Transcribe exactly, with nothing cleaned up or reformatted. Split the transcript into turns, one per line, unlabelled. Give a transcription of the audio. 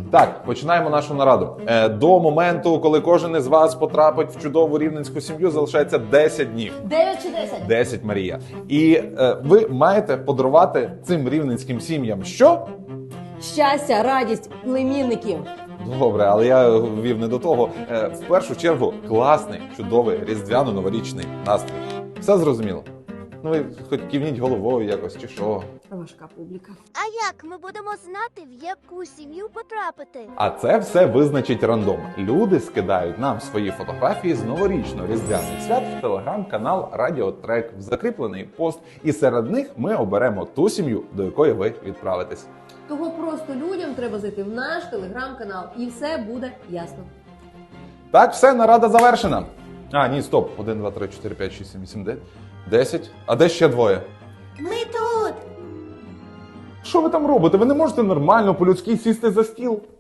Так, починаємо нашу нараду. Е, до моменту, коли кожен із вас потрапить в чудову рівненську сім'ю, залишається десять днів.
дев'ять чи десять?
десять, Марія. І е, ви маєте подарувати цим рівненським сім'ям що?
Щастя, радість, племінників.
Добре, але я вів не до того. Е, в першу чергу, класний, чудовий, різдвяно-новорічний настрій. Все зрозуміло? Ну ви хоч кивніть головою якось чи що.
Важка публіка.
А як ми будемо знати, в яку сім'ю потрапити?
А це все визначить рандом. Люди скидають нам свої фотографії з новорічно-різдвяних свят в телеграм-канал Радіотрек, в закріплений пост. І серед них ми оберемо ту сім'ю, до якої ви відправитесь.
Того просто людям треба зайти в наш телеграм-канал, і все буде ясно.
Так, все, нарада завершена. А, ні, стоп. один, два, три, чотири, п'ять, шість, сім, вісім, дев'ять, десять. А де ще двоє?
Ми тут!
Що ви там робите? Ви не можете нормально по-людськи сісти за стіл?